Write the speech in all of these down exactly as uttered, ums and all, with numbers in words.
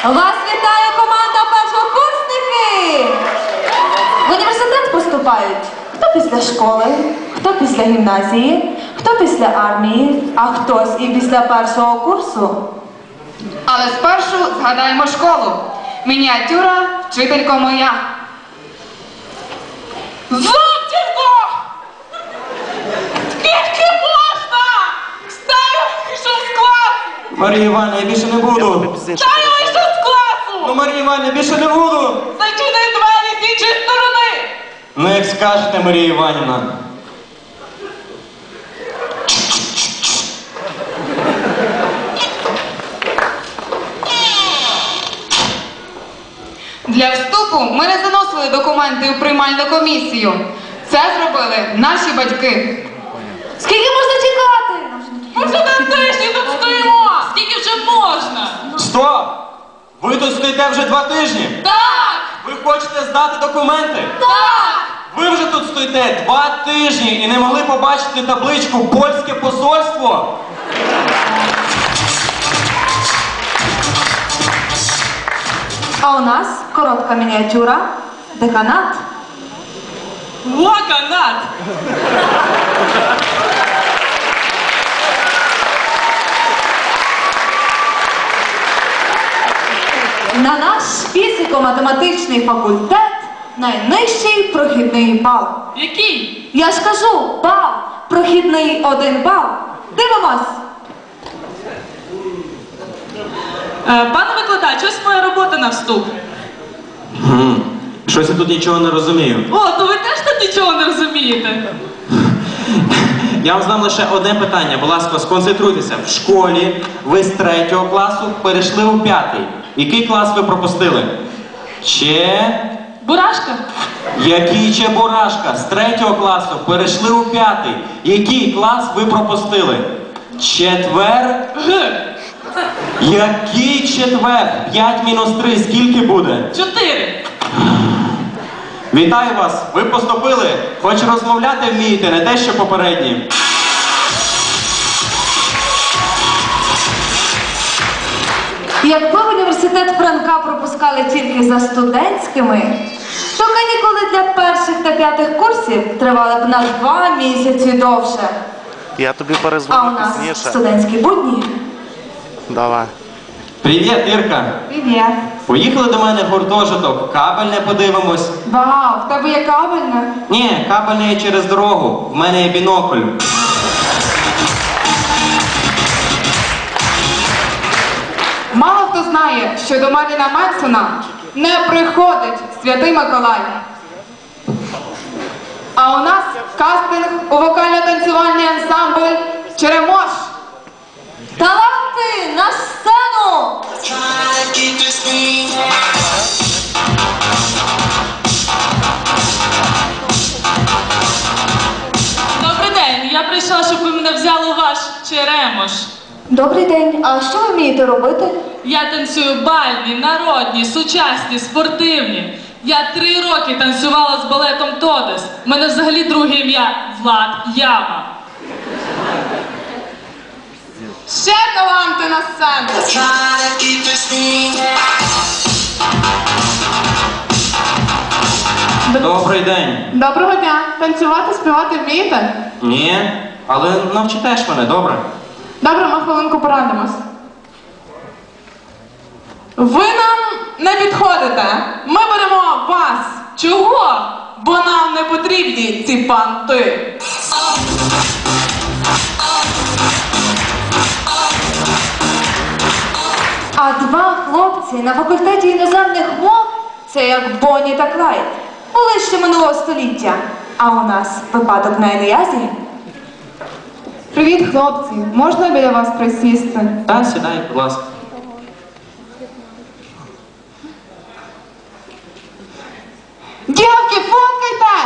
Вас вітає команда першокурсники! В університет поступають хто після школи, хто після гімназії, хто після армії, а хтось і після першого курсу. Але спершу згадаємо школу. Мініатюра, вчителько моя. Зубченко! Скільки можна? Стаю вийшов з класу! Марія Іванівна, я більше не буду. Стаю вийшов з класу! Ну, Марія Іванівна, я більше не буду. Зачини двері з іншої сторони! Ну, як скажете, Марія Іванівна. Для вступу ми не заносили документи у приймальну комісію. Це зробили наші батьки. Скільки можна чекати? Ми вже на тижні тут стоїмо! Скільки вже можна? Стоп! Ви тут стоїте вже два тижні? Так! Ви хочете здати документи? Так! Ви вже тут стоїте два тижні і не могли побачити табличку «Польське посольство»? А у нас коротка мініатюра, деканат. Лаканат! На наш фізико-математичний факультет найнижчий прохідний бал. Який? Я ж кажу, бал. Прохідний один бал. Дивимось. Е, пане викладач, ось моя робота на вступ. Хм. Щось я тут нічого не розумію. О, то ви теж тут нічого не розумієте? Я вам задам лише одне питання. Будь ласка, сконцентруйтеся. В школі ви з третього класу перейшли у п'ятий. Який клас ви пропустили? Че... Бурашка? Який Чебурашка? З третього класу перейшли у п'ятий. Який клас ви пропустили? Четвер? Г. Який четвер? П'ять мінус три. Скільки буде? Чотири. Вітаю вас! Ви поступили. Хоч розмовляти вмієте, не те, що попередні. Якби в університет Франка пропускали тільки за студентськими, то канікули для перших та п'ятих курсів тривали б на два місяці довше. Я тобі А у перезвоню нас пізніше. студентські будні. Давай. Привіт, Ірка! Привіт. Поїхали до мене в гуртожиток. Кабельне подивимось. Вау, в тебе є кабельне? Ні, кабельне є через дорогу. В мене є бінокль. Мало хто знає, що до Мерліна Менсона не приходить Святий Миколай. А у нас кастинг у вокально-танцювальний ансамбль «Черемош». Таланти на сцену! Добрий день, я прийшла, щоб ви мене взяли у ваш черемош. Добрий день. А що ви вмієте робити? Я танцюю бальні, народні, сучасні, спортивні. Я три роки танцювала з балетом Тодес. У мене взагалі друге ім'я Влад Яма. Ще таланти на сцену. Добрий день. Доброго дня. Танцювати, співати вмієте? Ні, але навчите ж мене, добре? Добре, ми хвилинку порадимось. Ви нам не підходите. Ми беремо вас. Чого? Бо нам не потрібні ці панти. А два хлопці на факультеті іноземних мов – це як Бонні та Клайд. Були ще минулого століття. А у нас випадок на Еліазі. Привіт, хлопці. Можна біля вас присісти? Так, сідай, будь ласка. Дівки, фоткайте!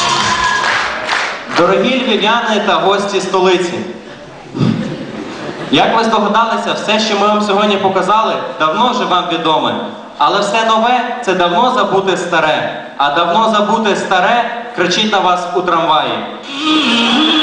Дорогі львів'яни та гості столиці. Як ви здогадалися, все, що ми вам сьогодні показали, давно вже вам відоме. Але все нове – це давно забуте старе. А давно забуте старе кричить на вас у трамваї.